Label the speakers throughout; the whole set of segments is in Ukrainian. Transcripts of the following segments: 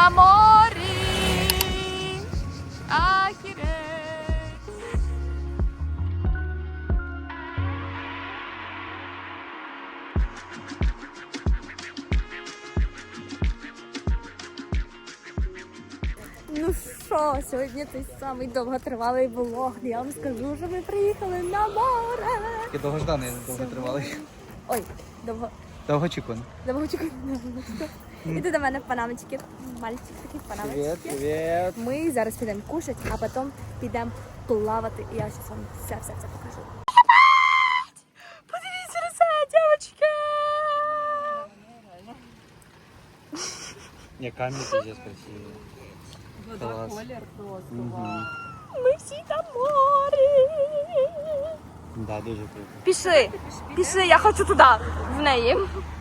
Speaker 1: на морі. Ахіреть. Ну що, сьогодні той самий довготривалий влог. Я вам скажу, що ми приїхали на море.
Speaker 2: Такий довгожданий, довготривалий.
Speaker 1: Ой,
Speaker 2: Довгоочікуваний.
Speaker 1: довгоочікуваний. Іди до мене в панамочки. Мальчик такий в панамочки.
Speaker 2: Привіт.
Speaker 1: Ми зараз підемо кушати, а потім підемо плавати. І я зараз вам все покажу. Подивіться на це, дівчатка!
Speaker 2: Не, камень пиздец красивый.
Speaker 3: Вода, колір просто, вау.
Speaker 1: Ми всі на морі.
Speaker 2: Да, дуже круто.
Speaker 1: Пішли, я хочу туди, в неї.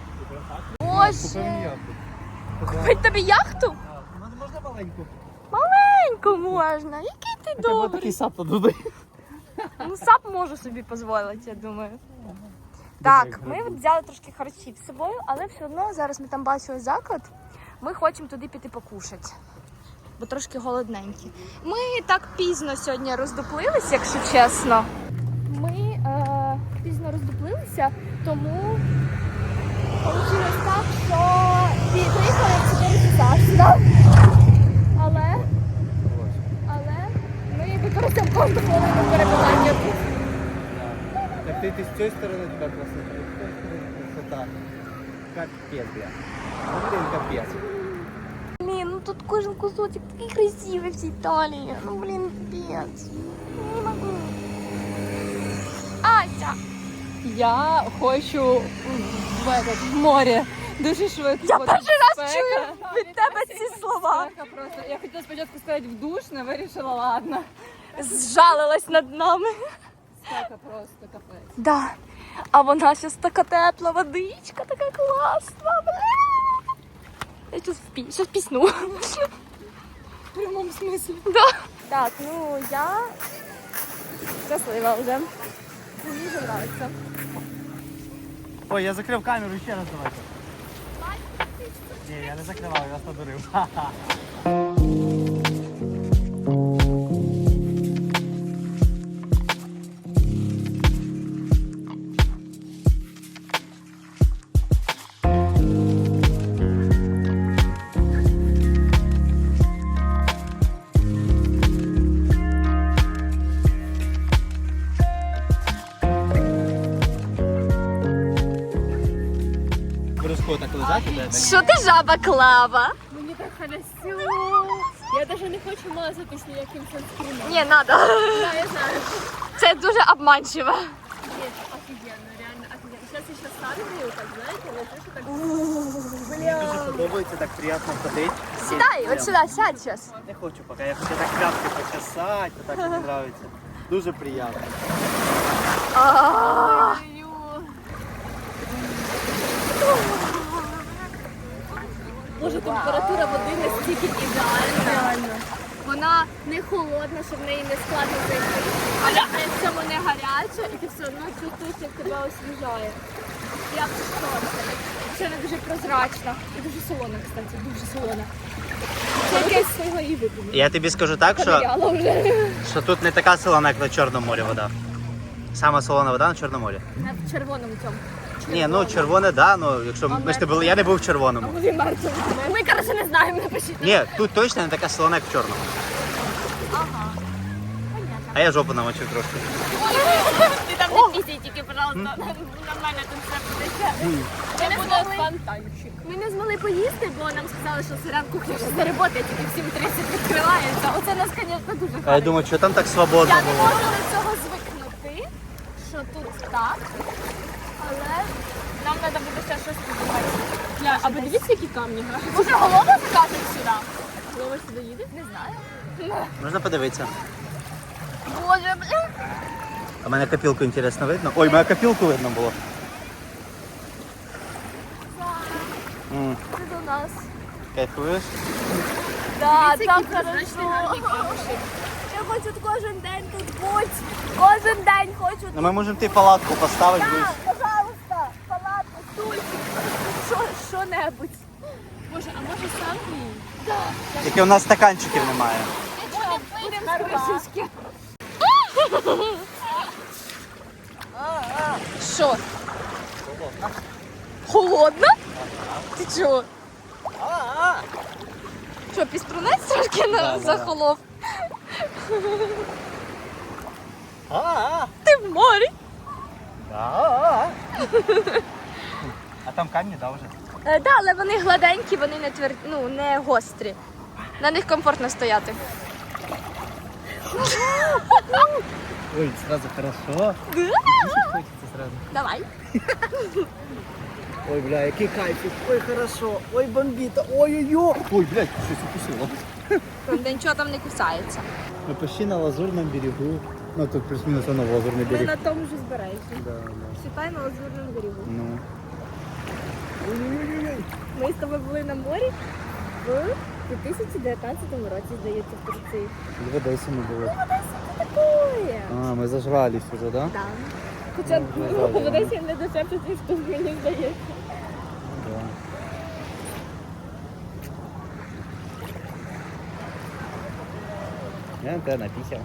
Speaker 1: Боже, купить тобі яхту?
Speaker 2: Можна маленьку?
Speaker 1: Маленьку можна, який ти добрий.
Speaker 2: Такий сап туди.
Speaker 1: Ну, сап можу собі дозволити, я думаю. Так, ми взяли трошки харчів з собою, але все одно зараз ми там бачили заклад. Ми хочемо туди піти покушати, бо трошки голодненькі. Ми так пізно сьогодні роздуплилися, якщо чесно. Ми пізно роздуплилися, тому вийшло так, що приїхали в 4 часа сюди. Але ми використаємо кожну хвилину перебування тут.
Speaker 2: Так ти з цієї сторони така красота, з цієї сторони красота. Капець, бля. Ну, блін, капець.
Speaker 1: Блін, ну тут кожен кусочек такий красивий в цій Італії. Ну, блін, пец. Не можу. Ася!
Speaker 3: Я хочу в море дуже швидко.
Speaker 1: Я
Speaker 3: бо
Speaker 1: перший
Speaker 3: тут
Speaker 1: раз
Speaker 3: спека.
Speaker 1: чую від тебе ці слова.
Speaker 3: Спека просто. Я хотіла спочатку сказати в душ, але вирішила, ладно.
Speaker 1: Зжалилась над нами.
Speaker 3: Спека просто капець.
Speaker 1: Да. А вона щас така тепла водичка, така класна. Бля. Я щас пісну.
Speaker 3: В прямому смислі.
Speaker 1: Да. Так, ну я щаслива вже. Мені вже подобається.
Speaker 2: Ой, я закрив камеру, ще раз давайте. Ні, я не закривав, я вас надурив. Ха-ха. Так лежати, да?
Speaker 1: Що ти жаба Клава?
Speaker 3: Мені так халясю. Я навіть не хочу мазатись ніяким санскрином.
Speaker 1: Не, надо.
Speaker 3: Да, я знаю.
Speaker 1: Це дуже обманчиво.
Speaker 3: Нет, офигенно, реально офигенно. Сейчас я еще садаю, так знаете, лежишь и так...
Speaker 2: Мені дуже подобається, так приємно ходити.
Speaker 1: Сідай, от сюди, сядь зараз.
Speaker 2: Не хочу поки, я хочу так п'ятки почесати, так мені подобається. Дуже приємно.
Speaker 3: Боже, температура води настільки ідеальна. Вона не холодна, щоб в неї не складно зайти. Але при цьому не гаряча, і ти все одно чувствуєш, як тебе освіжає. Як сонце. Це не дуже прозрачна. І дуже солона, кстати, дуже солона. Це якесь свого і випадку.
Speaker 2: Я тобі скажу так, що тут не така солона, як на Чорному морі вода. Сама солона вода на Чорному морі.
Speaker 3: В червоному цьому.
Speaker 2: Ні, ну червоне, да, ну якщо ми ж не були, я не був в червоному.
Speaker 3: Ми, коротше, не знаємо, напишіть.
Speaker 2: Ні, тут точно не така солона, як в чорному.
Speaker 3: Ага.
Speaker 2: А я жопу намочив трошки.
Speaker 3: Ти там не пісій тільки, пожалуйста, нормально тут все буде. Це буде фонтанчик. Ми не змогли поїсти, бо нам сказали, що сирен кухня вже не працює, тільки в 7:30 відкривається. Оце нас, звісно, дуже
Speaker 2: А я
Speaker 3: харить.
Speaker 2: думаю, що там так свободно
Speaker 3: Я не
Speaker 2: було.
Speaker 3: можу до цього звикнути, що тут так, але нам треба буде ще щось підбувати. А подивіться, які камні. Може, голова закажуть сюди? Голова сюди їде? Не знаю.
Speaker 2: Можна подивитися.
Speaker 3: Боже, блін.
Speaker 2: А мене копілку інтересно видно. Ой, мене копілку видно було.
Speaker 1: Ти до нас.
Speaker 2: Кайфуєш?
Speaker 1: Да, так хорошо. Я хочу тут кожен день тут бути. Кожен день хочу тут.
Speaker 2: Ну ми можемо ти палатку поставити.
Speaker 1: Да, пожалуйста, палатку, стульчик, що-небудь.
Speaker 3: Боже, а може сам він?
Speaker 2: Тільки у нас стаканчиків немає.
Speaker 3: Будемо з кришечки.
Speaker 1: Що? Холодно? Ти чого? Що, піструнець трошки захолов? Ти в морі?
Speaker 2: А там камні, да, вже?
Speaker 1: Так, але вони гладенькі, вони не тверді, ну, не гострі. На них комфортно стояти.
Speaker 2: Ой, сразу хорошо. Хочеться сразу.
Speaker 1: Давай.
Speaker 2: Ой, бля, який кайфик. Ой, хорошо. Ой, бомбіта. Ой-ой-ой. Ой, блядь, щось укусило.
Speaker 1: Правда, нічого там не кусається.
Speaker 2: Ми почти на Лазурному берегу. Ну, тут плюс-мінус воно Лазурний
Speaker 3: Ми
Speaker 2: берег.
Speaker 3: на тому ж узбережжі.
Speaker 2: Да, да.
Speaker 3: Считай на Лазурному берегу.
Speaker 2: Ну. Ой-ой-ой.
Speaker 3: Ми з тобою були на морі в 2019 році, здається, в Турції.
Speaker 2: В Одесі ми були.
Speaker 3: Такое.
Speaker 2: А, ми зажрались уже, да?
Speaker 3: Так. Хоча
Speaker 2: Ну,
Speaker 3: в
Speaker 2: да, да.
Speaker 3: Одесі не дешевше, ніж тут, мені здається.
Speaker 2: Да. Я на тебе написав.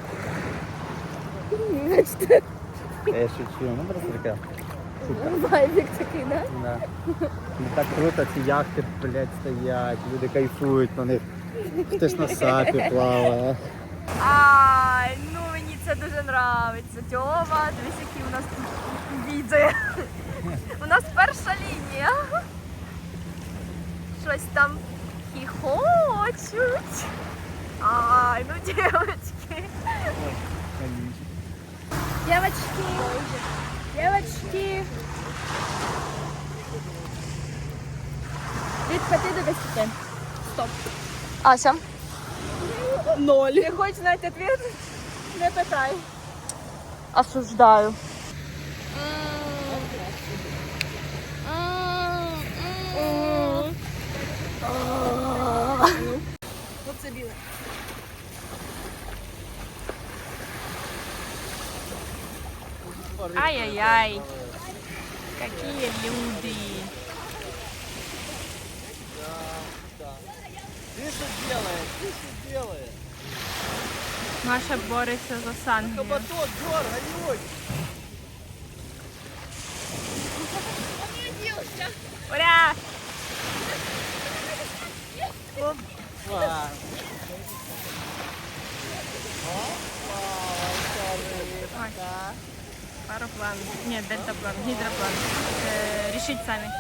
Speaker 3: Бачите,
Speaker 2: Я шучу, ну просто таке.
Speaker 3: вайбік такий, да?
Speaker 2: Да. Ну так круто, ці яхти, блядь, стоять, люди кайфують на них. Хтось на сапі плаває.
Speaker 1: Ай, ну мені це дуже подобається. Тьома, дивись, які у нас тут віди. У нас перша лінія. Щось там хіхочуть. Ай, ну дівчатки. Девочки, девочки.
Speaker 3: Від 5 до 10. Стоп.
Speaker 1: Ася.
Speaker 3: 0. Не хочеш знати відповідь? Не питай.
Speaker 1: Осуждаю.
Speaker 3: Оце біле.
Speaker 1: Ай-яй-яй. Какие люди.
Speaker 2: Ти що делаєш? Ти що делаєш?
Speaker 1: Маша бореться за Сангію.
Speaker 2: Кабатон, дергай,
Speaker 1: Ура!
Speaker 2: Опа.
Speaker 1: Пароплан. Нет, дельтаплан, гидроплан. Решить сами.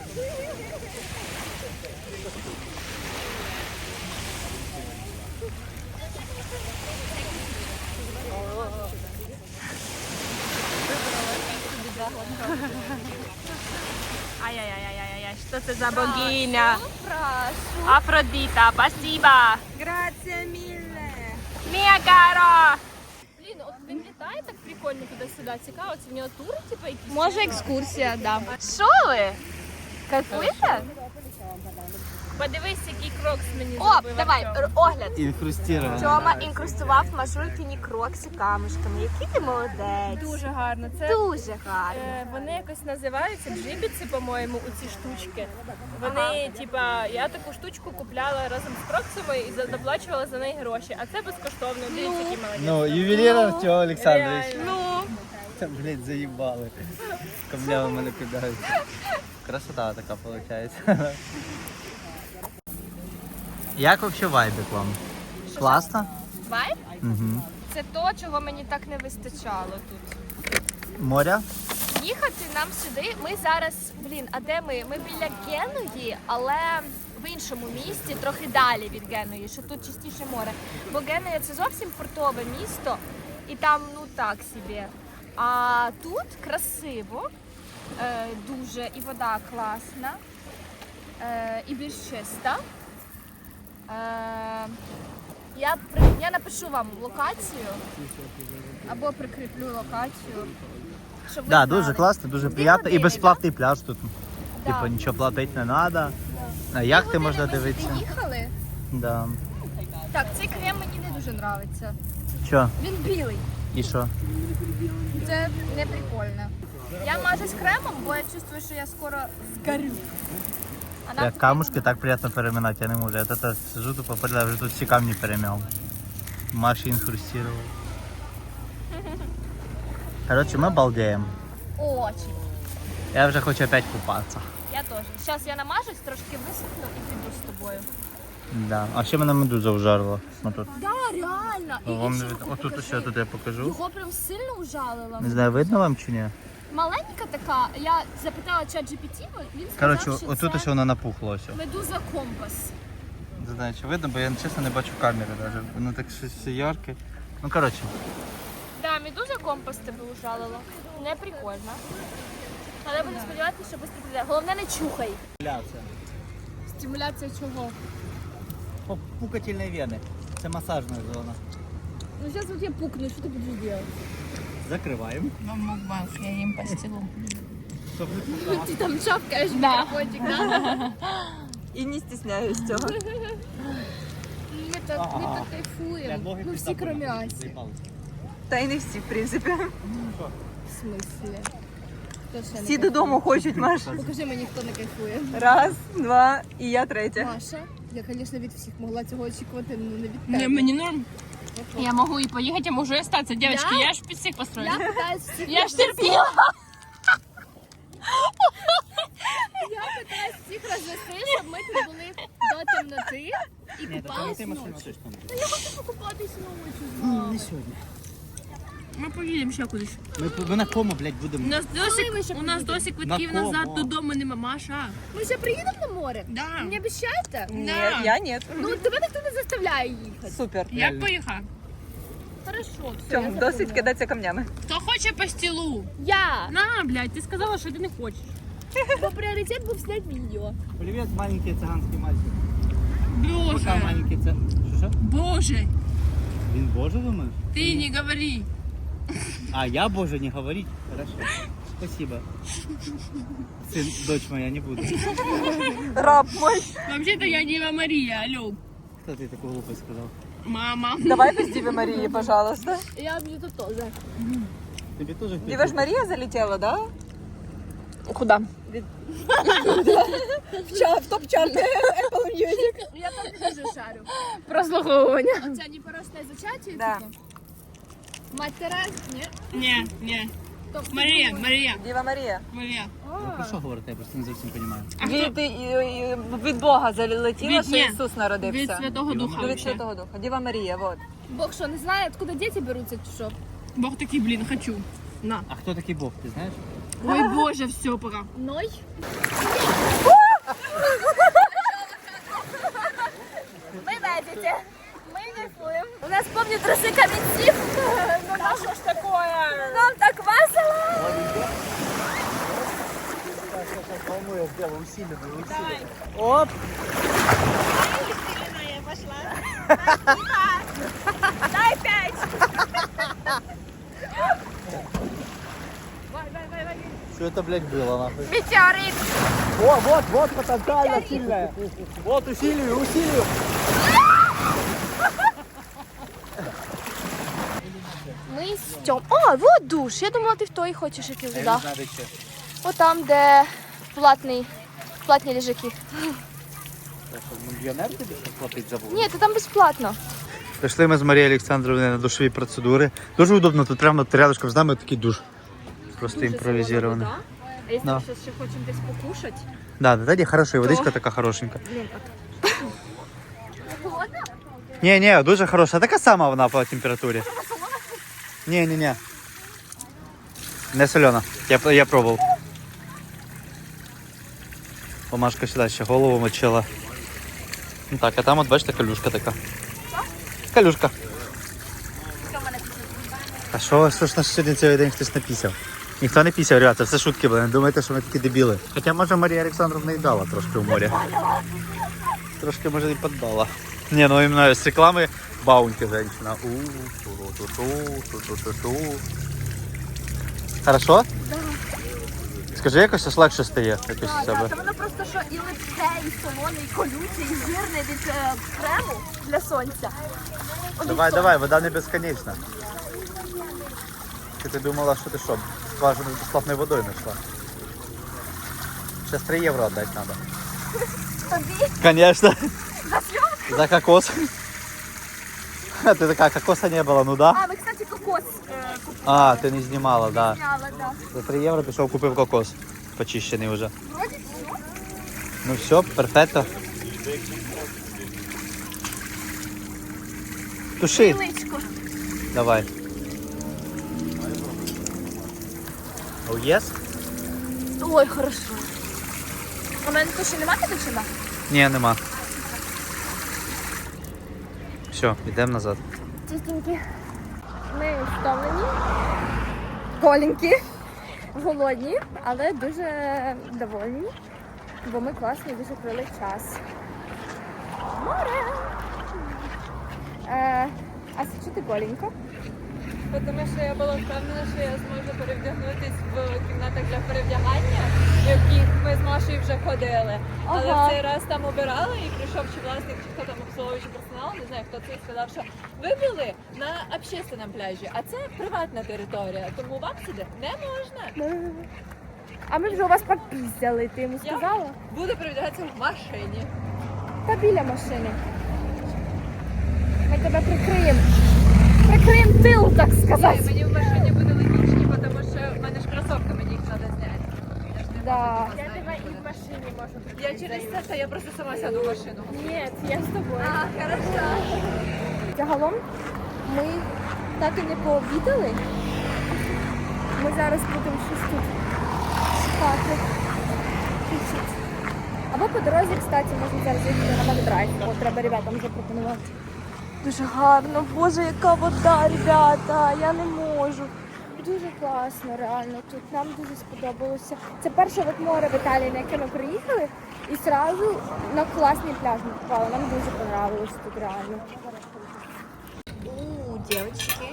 Speaker 1: Ай-яй-яй-яй-яй, что это за богиня?
Speaker 3: Прошу.
Speaker 1: Афродита, спасибо.
Speaker 3: Грація міле.
Speaker 1: Мия Каро.
Speaker 3: Блін, от він літає так прикольно туди-сюди. Цікаво, це в нього тури, типу, якісь?
Speaker 1: Може екскурсія, да. Що ви? Кайфуєте?
Speaker 3: Подивись, який крокс мені
Speaker 1: О,
Speaker 3: зробив.
Speaker 1: давай,
Speaker 3: Артем.
Speaker 1: огляд.
Speaker 2: Інфрустировано.
Speaker 1: Тьома інкрустував мажулькині крокси камушками. Який ти молодець.
Speaker 3: Дуже гарно. Це
Speaker 1: Дуже гарно.
Speaker 3: вони якось називаються джибіці, по-моєму, у ці штучки. Вони, типа, я таку штучку купляла разом з кроксами і доплачувала за неї гроші. А це безкоштовно. Дивіться, який молодець.
Speaker 2: Ну, ювелір Артем Олександрович.
Speaker 3: Реально.
Speaker 1: Ну,
Speaker 2: Там, блядь, заїбали. Камнями мене кидають. Красота така виходить. Як взагалі вайбик вам? Класно?
Speaker 1: вайб?
Speaker 2: Угу.
Speaker 1: Це то, чого мені так не вистачало тут.
Speaker 2: Моря?
Speaker 1: Їхати нам сюди. Ми зараз, а де ми? Ми біля Генуї, але в іншому місті, трохи далі від Генуї, що тут частіше море. Бо Генуя це зовсім портове місто, і там ну так собі. А тут красиво, дуже, і вода класна, і більш чиста. Я напишу вам локацію або прикріплю локацію. Щоб ви
Speaker 2: Да,
Speaker 1: знали.
Speaker 2: дуже класно, дуже
Speaker 1: 2
Speaker 2: приємно. І
Speaker 1: години,
Speaker 2: безплатний пляж тут.
Speaker 1: Да.
Speaker 2: Типу нічого платити не треба. На яхти можна
Speaker 1: Ми сюди
Speaker 2: дивитися.
Speaker 1: їхали.
Speaker 2: Да.
Speaker 1: Так, цей крем мені не дуже подобається.
Speaker 2: Що?
Speaker 1: Він білий.
Speaker 2: І що?
Speaker 1: Це не прикольно. Я мажусь кремом, бо я чувствую, що я скоро згорю. нам
Speaker 2: Як камушки так приємно переминати, я не можу. Я тут сижу, тупо попередаю, вже тут всі камні перемяв. Маші інхрустував. Коротше, ми балдеємо.
Speaker 1: Очень.
Speaker 2: Я вже хочу опять купатися.
Speaker 1: Я теж. Зараз я намажусь, трошки висохну і піду з тобою.
Speaker 2: Да. А ще мене медуза вжарила. Тут.
Speaker 1: Да, реально. І
Speaker 2: Вам не
Speaker 1: ще
Speaker 2: видно.
Speaker 1: таку
Speaker 2: Отут
Speaker 1: покажи.
Speaker 2: ще тут я покажу.
Speaker 1: Його прям сильно ужалила.
Speaker 2: Не знаю, видно вам чи ні?
Speaker 1: Маленька така, я запитала ChatGPT, він сказав,
Speaker 2: Коротше,
Speaker 1: що
Speaker 2: отут
Speaker 1: це
Speaker 2: ще воно напухло. Ось.
Speaker 1: медуза компас.
Speaker 2: Не знаю, чи видно, бо я чесно не бачу камери навіть. Воно так щось все ярке. Ну коротше.
Speaker 1: Да, медуза компас тебе ужалила. Не прикольно. Але будемо сподіватися, що швидко піде. Головне, не чухай. Стимуляція чого?
Speaker 2: Пукательні вени. Це масажна зона.
Speaker 1: Ну зараз от я пукну, що ти будеш робити?
Speaker 2: Закриваємо.
Speaker 3: Я їм постілу.
Speaker 1: Ти там чавкаєш мікрофончик, да?
Speaker 3: І не стісняюсь цього.
Speaker 1: Ми так кайфуємо. Ну всі кроме Асі.
Speaker 3: Та й не всі, в принципі.
Speaker 1: В смислі? Хто ще не
Speaker 3: Всі
Speaker 1: кайфує?
Speaker 3: додому хочуть, Маша.
Speaker 1: Покажи мені, хто не кайфує.
Speaker 3: Раз, два, і я третя.
Speaker 1: Маша, я, звісно, від всіх могла цього очікувати, але не від тебе.
Speaker 4: Не, мне норм. Я могу и поехать, а могу и остаться. Девочки,
Speaker 1: Да?
Speaker 4: я ж всех построила.
Speaker 1: Я питаюсь всіх
Speaker 4: Я ж терпела.
Speaker 1: Я питаюсь всіх розвести, щоб ми тут були до темноти і купались ночі. Та я хочу покупатись ночі з вами.
Speaker 2: Не сьогодні.
Speaker 4: Мы поедем ще кудись.
Speaker 2: Ми на кому, блядь,
Speaker 4: У
Speaker 2: будемо.
Speaker 4: нас
Speaker 1: Коли ми ще
Speaker 4: досі, у нас
Speaker 1: поїдемо?
Speaker 4: досі квитків
Speaker 2: На кому?
Speaker 4: назад додому нема, Маша.
Speaker 1: Ми ще приїдемо на море?
Speaker 4: Да.
Speaker 1: Мені обіцяєте?
Speaker 3: Ні,
Speaker 4: Да.
Speaker 3: я ні.
Speaker 1: Ну, тебе ніхто не заставляє їхати.
Speaker 3: Супер.
Speaker 4: Я поїхала.
Speaker 1: Хорошо, все,
Speaker 3: Цьому досить кидатися камнями.
Speaker 4: Хто хоче по стілу?
Speaker 1: Я!
Speaker 4: На, блядь, ти сказала, що ти не хочеш.
Speaker 1: Бо пріоритет був зняти відео.
Speaker 2: Привіт, маленький циганський мальчик.
Speaker 4: Боже,
Speaker 2: Пока маленький це. Що?
Speaker 4: Боже,
Speaker 2: Він Боже думаєш?
Speaker 4: ти не говори.
Speaker 2: А я Боже не говорить? Хорошо. Спасибо. Сын, дочь моя, не буду.
Speaker 3: Раб мой.
Speaker 4: Вообще-то я Дева Мария, алло.
Speaker 2: Кто ты такую глупость сказал?
Speaker 4: Мама.
Speaker 3: Давай без Діві Марії, пожалуйста.
Speaker 1: Я б тут теж.
Speaker 2: Тебе тоже
Speaker 3: Діва ж Марія залетіла, да?
Speaker 4: Куда?
Speaker 3: В топ-чарт Apple Music.
Speaker 1: Я там дуже шарю.
Speaker 4: Прослуховування.
Speaker 1: Оця непорочне зачаття,
Speaker 3: Да.
Speaker 1: типу. Мать Тереза? Ні.
Speaker 4: Не.
Speaker 1: Тобто,
Speaker 4: Марія, Марія,
Speaker 3: Діва Марія.
Speaker 4: Марія.
Speaker 2: Про що говорите? Я просто не зовсім розумію.
Speaker 3: Від Бога залетіла,
Speaker 4: Від-
Speaker 3: що
Speaker 4: ні.
Speaker 3: Ісус народився.
Speaker 4: Від Святого Духа.
Speaker 3: Ну, від
Speaker 4: вообще.
Speaker 3: Святого Духа. Діва Марія, вот.
Speaker 1: Бог що, не знає, откуда діти беруться, чи що?
Speaker 4: Бог такий, блін, хочу. На.
Speaker 2: А хто такий Бог, ти знаєш?
Speaker 4: Ой, Боже, все, пора.
Speaker 1: Ной? Ми ведете. Ми кайфуємо. У нас повні труси камінців. Ну на що ж такое? Нам так весело.
Speaker 2: По-моему, я сделал усиленную. Оп!
Speaker 1: Дай 5.
Speaker 2: Что это, блядь, было, нахуй?
Speaker 1: Метеорит.
Speaker 2: О, вот, потенциально сильная. Вот, усилию.
Speaker 1: Ми з Тьом. О, вот душ. Я думала, ти в той хочеш іти туди.
Speaker 2: Я не знаю, че.
Speaker 1: От там, де платні лежаки.
Speaker 2: Мільйонер тобі що платить забув?
Speaker 1: Ні, це там безплатно.
Speaker 2: Прийшли ми з Марією Олександровною на душові процедури. Дуже удобно, тут прямо рядышком з нами такий душ. Просто імпровізований.
Speaker 1: А якщо
Speaker 2: Да.
Speaker 1: ми зараз ще хочемо десь покушати?
Speaker 2: Да, ні, хороша, і водичка така хорошенька.
Speaker 1: Блін, холодно?
Speaker 2: Ні, дуже хороша. Така сама вона по температурі. Ні. Не солена. Я пробував. Помашка сюди ще голову мочила. Ну так, а там от бачите, калюшка така. Калюшка. А що ж на сьогодні цілий день хтось напісяв? Ніхто не пісяв, ребята, це шутки були, не думайте, що ми такі дебіли. Хоча, може, Марія Олександровна і дала трошки в морі. Трошки, може, і поддала. Ні, ну іменно з реклами Баунті женщина. Хорошо? Да. Скажи, якось аж легше стає якось з себе.
Speaker 1: Та воно просто що і липке, і солоне, і колюче, і жирне від крему для сонця.
Speaker 2: Давай, вода не безконечна. Ти думала, що ти що, скважину з безплатною водою знайшла? Ще 3 євро віддати треба.
Speaker 1: Тобі?
Speaker 2: Конечно.
Speaker 1: За съемку?
Speaker 2: За кокос. Ты такая, кокоса не было, ну да?
Speaker 1: А, ми, кстати, кокос купили.
Speaker 2: А, ти не знімала, да.
Speaker 1: Зняла, да.
Speaker 2: За 3 євро пішов, купив кокос. Почищений вже.
Speaker 1: Вроді все.
Speaker 2: Ну все, перфекто. Туши.
Speaker 1: Личко.
Speaker 2: Давай. Oh, yes?
Speaker 1: Ой, хорошо. У мене тут ще немає дівчина?
Speaker 2: Ні, нема. Все, йдемо назад.
Speaker 1: Чистенькі. Ми втомлені, голенькі, голодні, але дуже довольні, бо ми класно дуже провели час. Море! А що ти голенька?
Speaker 3: Тому що я була впевнена, що я зможу перевдягнутись в кімнатах для перевдягання, в яких ми з Машею вже ходили. Але
Speaker 1: Ага.
Speaker 3: в цей раз там обирали і прийшов чи власник, чи хто там обслуговуючий персонал, не знаю, хто це, і сказав, що ви були на общественному пляжі, а це приватна територія, тому вам сюди не можна.
Speaker 1: А ми вже у вас попіздяли, ти йому
Speaker 3: Я
Speaker 1: сказала?
Speaker 3: буду перевдягатися в машині.
Speaker 1: Та біля машини. Ми тебе прикриємо. Прикриємо тил, так сказати.
Speaker 3: Мені в машині буде логічні, тому що в мене ж кросовки, мені їх треба зняти. Я ж не
Speaker 1: Да.
Speaker 3: можу
Speaker 4: Я тебе і в машині можу
Speaker 3: Я через це, та я просто сама сяду в машину.
Speaker 4: Ні, я з тобою.
Speaker 3: А, хорошо.
Speaker 1: Загалом ми так і не пообідали. Ми зараз будемо щось тут шукати. Чуть-чуть. Або по дорозі, кстати, можна зараз їхати на Макдрайв. О, треба ребятам запропонувати. Дуже гарно, боже, яка вода, ребята, я не можу. Дуже класно, реально. Тут нам дуже сподобалося. Це перше от море в Італії, на яке ми приїхали, і одразу на класний пляж ми попали. Нам дуже понравилось тут реально. Дівчатки.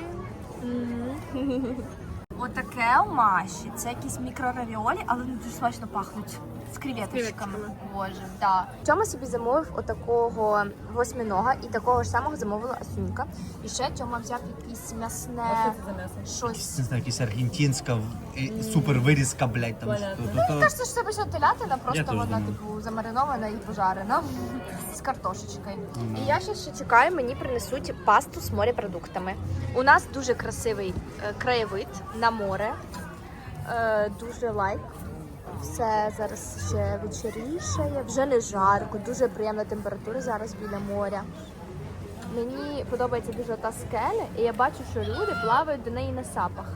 Speaker 1: Отаке у Маші. Це якісь мікроравіолі, але вони дуже смачно пахнуть. З креветочками. Боже, да. Тьома собі замовив отакого восьминога і такого ж самого замовила Асюнька. І ще Тьома взяв якісь м'ясне щось.
Speaker 2: Не знаю, якась аргентинська супер вирізка, блядь, там
Speaker 1: Мені кажется, що це обычно телятина,
Speaker 2: Я
Speaker 1: просто
Speaker 2: теж
Speaker 1: вона
Speaker 2: думаю.
Speaker 1: типу замаринована і пожарена з картошечкою. І я ще чекаю, мені принесуть пасту з морепродуктами. У нас дуже красивий краєвид на море. Дуже лайк. Все зараз ще вечорішає, вже не жарко, дуже приємна температура зараз біля моря. Мені подобається дуже та скеля, і я бачу, що люди плавають до неї на сапах.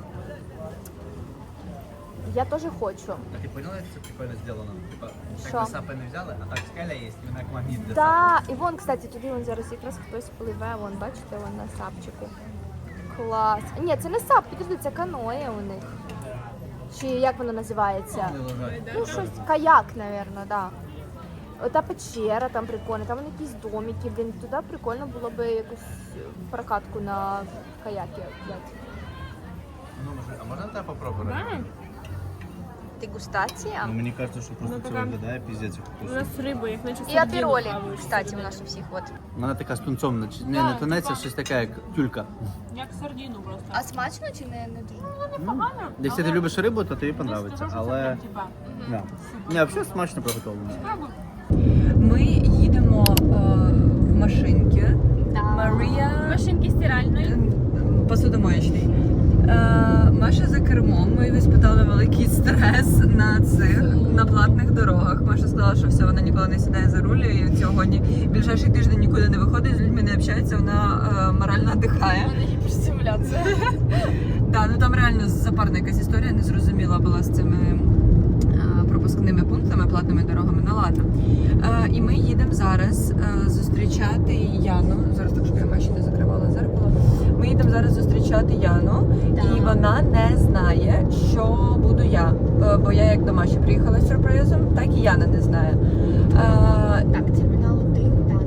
Speaker 1: Я теж хочу.
Speaker 2: А ти поняла, як це прикольно зроблено? Типа,
Speaker 1: Що?
Speaker 2: так сапи не взяли, а так скеля є, і вона як магніт для
Speaker 1: Да, і вон, кстати, туди вон зараз якраз хтось пливе, вон, бачите, вон на сапчику. Клас. Ні, це не сап, підожди, це каноє у них. Чи як воно називається? Ну, щось, каяк, напевно, да. Ота печера там прикольна, там якісь домики, блін, туди прикольно було би якусь прокатку на каяки взяти.
Speaker 2: Ну, а можна тебе попробувати?
Speaker 1: Дегустація.
Speaker 2: Ну, мені кажется, що просто це виглядає піздець як
Speaker 4: У
Speaker 2: вкусно.
Speaker 4: нас риба, як наче
Speaker 1: І апіролі, кстати, у нас у всіх, от.
Speaker 2: Вона така з тунцом, не тунець, а щось таке, як тюлька.
Speaker 4: Як сардину просто.
Speaker 1: А смачно чи не дуже?
Speaker 4: Непогано.
Speaker 2: Якщо ти любиш рибу, то тобі подобається, але... Да. Ні, взагалі смачно приготовлено.
Speaker 5: Ми їдемо в машинки. Марія
Speaker 4: Машинки стиральної.
Speaker 5: посудомоєчний. Маша за кермом. Ми виспитали великий стрес на платних дорогах. Маша сказала, що все, вона ніколи не сідає за руль і сьогодні ближайший тиждень нікуди не виходить, з людьми не общається, вона морально дихає.
Speaker 3: Гіперстимуляція.
Speaker 5: Да, ну там реально запарна якась історія, незрозуміла була з цими пропускними пунктами, платними дорогами, ну ладно. І ми їдемо зараз зустрічати Яну. Зараз так, щоб я Маші не закривала зеркало. Ми їдемо зараз зустрічати Яну, і вона не знає, що буду я. Бо я як до Маші приїхала з сюрпризом, так і Яна не знає.
Speaker 1: Так, термінал 1, Дана.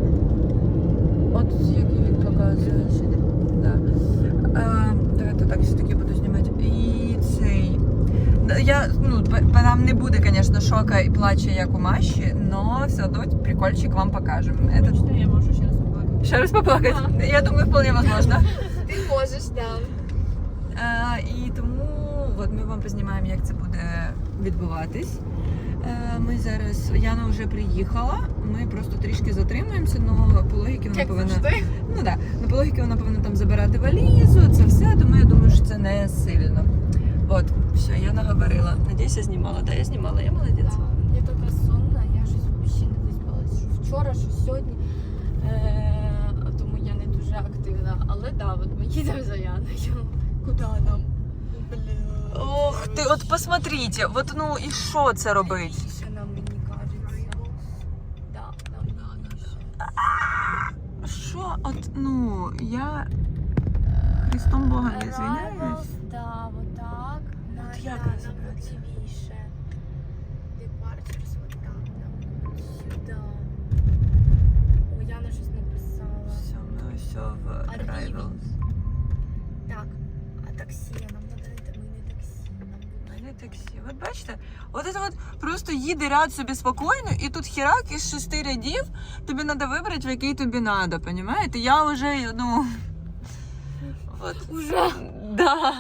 Speaker 5: От який він показує. Да. Давайте так все-таки буду знімати. І цей. Я, нам не буде, звісно, шока і плача, як у Маші, але все одно прикольчик вам покажемо.
Speaker 4: Хочете, я можу ще раз поплакати.
Speaker 5: Ще раз поплакати? Я думаю, вполне возможно.
Speaker 1: Ти можеш, да.
Speaker 5: І тому от ми вам познімаємо, як це буде відбуватись. Ми зараз, Яна вже приїхала, ми просто трішки затримуємося, але по логіки вона повинна... Ну так, по логіки вона повинна там забирати валізу, це все, тому я думаю, що це не сильно. От, все, я наговорила. Надіюсь, я знімала. Да, я знімала, я молодець.
Speaker 3: Я така сонна, я щось взагалі не виспалась. Що вчора, що сьогодні. Тому я не дуже активна. Але да, от ми їдемо за Яною. Куди нам? Бля.
Speaker 5: Ох ти, от посмотрите, от ну і що це робить?
Speaker 3: Тише нам, мені кажеться. Да, нам тише.
Speaker 5: Що, от, ну, я Христом Бога не звиняюсь.
Speaker 3: Да, вот так.
Speaker 5: От як
Speaker 3: нам
Speaker 5: розібратися?
Speaker 3: лівіше. Departures, вот так нам. Сюди. О, Яна щось написала.
Speaker 5: Все, ми ось в Arrival.
Speaker 3: Так, а таксі нам надо, ми не таксі. Нам
Speaker 5: Не таксі. От бачите, от це от просто їде ряд собі спокійно, і тут херак із 6 рядів, тобі треба вибрати, в який тобі треба, понімаєте? Я вже, ну... От.
Speaker 3: Уже?
Speaker 5: Да.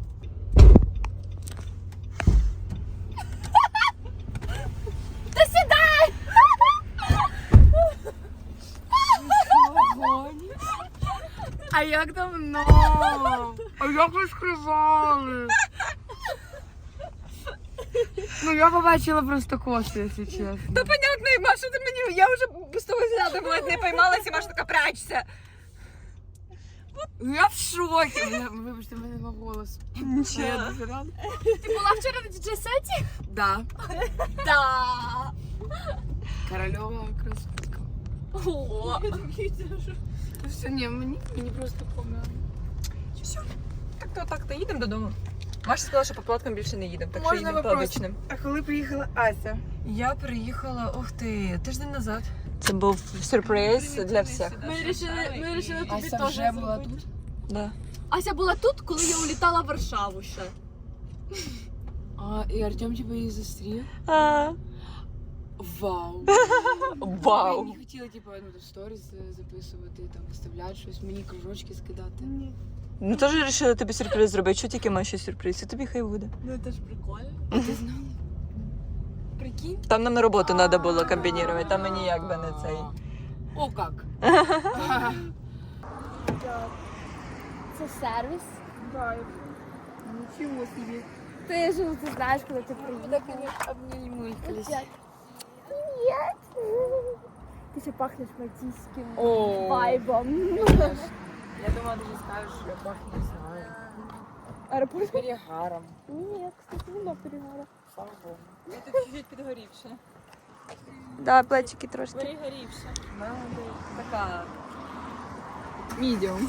Speaker 3: Та сідай! А як давно? А як ви сказали? Ну я побачила просто коси, якщо чесно.
Speaker 5: Та понятно, Маша, ти мені, я вже з того взгляду була, не поймалася, і Маша така, прячься.
Speaker 3: Я в шокі. Вибачте, в мене нема голосу.
Speaker 5: Нічого.
Speaker 3: Я дуже рада. Ти була вчора на діджей-сеті? Да. Да. Корольова красотка. О. Все, ні, мені просто помило.
Speaker 5: Все. Так-то їдемо додому. Маша сказала, що по платкам більше не їдемо, так що
Speaker 3: Можна
Speaker 5: їдемо по
Speaker 3: вопрос?
Speaker 5: обичним.
Speaker 3: А коли приїхала Ася?
Speaker 5: Я приїхала, ух ти, тиждень назад. Це був сюрприз для всіх.
Speaker 3: Ми вирішили тобі
Speaker 6: Ася
Speaker 3: теж
Speaker 6: вже була тут?
Speaker 5: Да.
Speaker 3: Ася була тут, коли я улітала в Варшаву ще.
Speaker 6: А, і Артем типу її зустрів? Вау!
Speaker 5: Вау.
Speaker 6: Я не хотіла типу, ну, сторіс записувати, там, виставляти щось, мені кружочки скидати.
Speaker 5: Ну теж вирішили тобі сюрприз зробити. Що тільки Маші сюрприз, і тобі хай буде.
Speaker 3: Ну це ж прикольно.
Speaker 6: А ти знала?
Speaker 3: Прикинь.
Speaker 5: Там нам на роботу треба було комбінувати, там мені якби не цей.
Speaker 6: О, як?
Speaker 3: Це сервіс. Нічого собі. Ти ж ти знаєш, коли ти приїдеш.
Speaker 6: Обнімуй.
Speaker 3: Привіт. Ти ще пахнеш мальтійським
Speaker 6: О.
Speaker 3: вайбом.
Speaker 6: Я думала, ти скажеш, що я пахну, не знаю.
Speaker 3: Аеропорт?
Speaker 6: Перегаром.
Speaker 3: Ні, кстати, нема перегара.
Speaker 6: Слава Богу.
Speaker 5: Я тут чуть підгорівша.
Speaker 1: Да, плечики трошки.
Speaker 5: Перегорівша. Така.
Speaker 6: Медіум.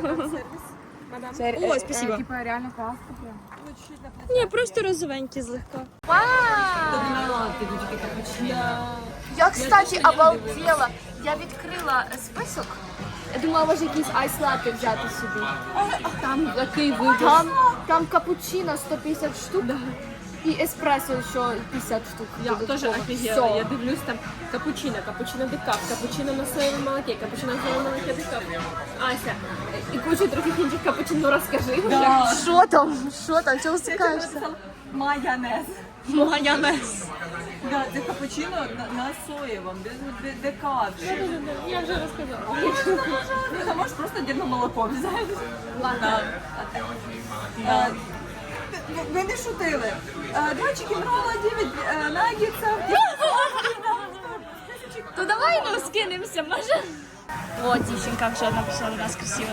Speaker 1: О, спасибо.
Speaker 6: Типа реально класно прям.
Speaker 1: Ні, просто розовенькі злегка.
Speaker 3: Я, кстати, обалдела. Я відкрила список. Я думала, може якийсь айс-латте взяти собі. Там такий вибір. Там капучино 150 штук. І еспресо ще 50 штук.
Speaker 4: Я
Speaker 3: додатково.
Speaker 4: теж офігела.
Speaker 3: Всё.
Speaker 4: Я дивлюсь там капучино декаф, капучино на соєвому молоке, капучино на соєвому молоке декаф. Ася, і кучу других інших капучино розкажи.
Speaker 1: Що там? Що там? Чого стикаєшся?
Speaker 5: Майонез.
Speaker 1: Майонез.
Speaker 5: Да, це капучино на соєвому, декаф.
Speaker 4: Я вже розказала.
Speaker 5: Ти можеш просто дірно молоко взяти.
Speaker 3: Ладно.
Speaker 5: Ви не шутили. 2 чікінрола, 9 наггетсів.
Speaker 3: То давай ну скинемося, може?
Speaker 1: О, дівчинка вже написала до нас красиво.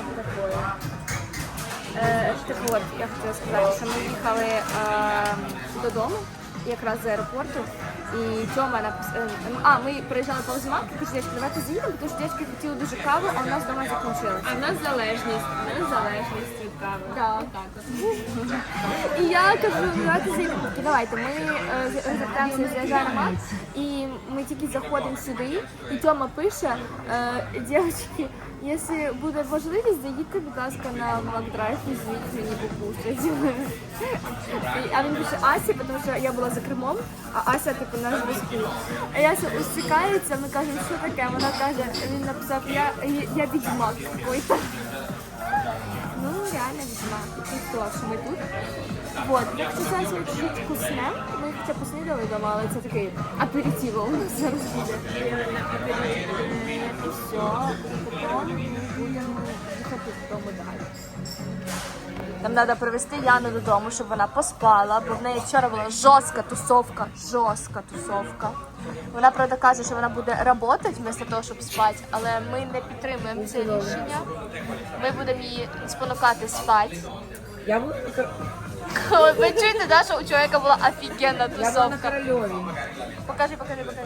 Speaker 3: Так от, я хотіла сказати, що ми їхали додому, якраз з аеропорту, і Тьома написав, ми приїжджали повз мамки, каже, дівчатки, давайте заїдемо, тому що дівчатки хотіли дуже каву, а у нас вдома закінчилося.
Speaker 4: А в нас залежність від кави.
Speaker 3: Да. І я кажу, давайте заїдемо. Давайте, ми звертаємося з аеромат, і ми тільки заходимо сюди, і Тьома пише, дівчатки, якщо буде можливість, заїдьте, будь ласка, на Макдрайв і звідти мені покушать. А він пише Асі, тому що я була за кермом, а Ася така
Speaker 1: типу, на зв'язку. А Яся усікається, ми кажемо, що таке? Вона каже, він написав, я відьмак какой-то. Ну, реально відьмак. І то, що ми тут. Вот, як це зараз чуть вкусне, ми хоча поснідали вдома, але це такий аперитиво у нас зараз буде. І все, потім ми будемо їхати додому далі. Нам треба привезти Яну додому, щоб вона поспала, бо в неї вчора була жорстка тусовка. Вона, правда, каже, що вона буде працювати вместо того, щоб спати, але ми не підтримуємо це рішення. Ми будемо її спонукати спати.
Speaker 6: Я була
Speaker 1: Ви чуєте, да, що у чоловіка була офігенна
Speaker 6: на
Speaker 1: тусовка?
Speaker 6: Корольові.
Speaker 1: Покажи.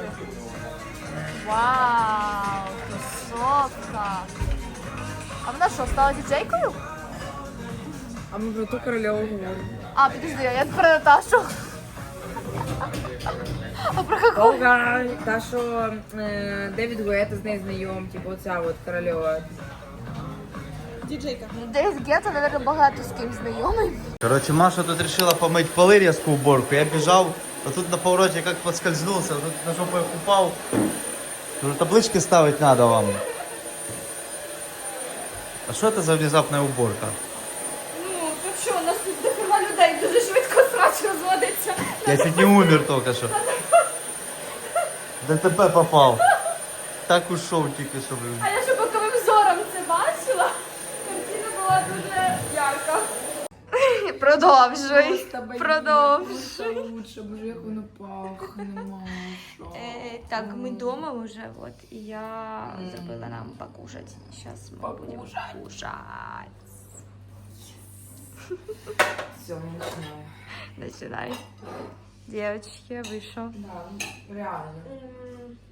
Speaker 1: Вау, тусовка. А вона що, стала діджейкою?
Speaker 6: А ми про ту Корольову говоримо.
Speaker 1: А, підожди, я про Наташу. А про яку?
Speaker 6: Олга, та що Девід Гуета з нею знайом, типу оця от Корольова.
Speaker 1: Девід Гетто, мабуть, багато з ким знайомий.
Speaker 2: Короче, Маша тут решила помыть полы, резкую уборку. Я бежал, а тут на повороте как подскользнулся, тут на жопу я упал. Говорю, таблички ставить надо вам. А что это за внезапная уборка?
Speaker 1: Ну, то що, у нас тут дохера людей, дуже швидко срач розводиться.
Speaker 2: Я чуть не умер только что. ДТП попал. Так ушел тільки що, блин.
Speaker 1: А я ще боковим зором це бачила. Картина була дуже ярка. Продовжуй.
Speaker 6: Лучше, боже, як воно пахне, Маша.
Speaker 1: Так, ми вдома вже, от, і я забила нам покушать. Зараз ми будемо кушать.
Speaker 6: Все, починаю.
Speaker 1: Начинай. Девочки, вийшов.
Speaker 6: Да, реально.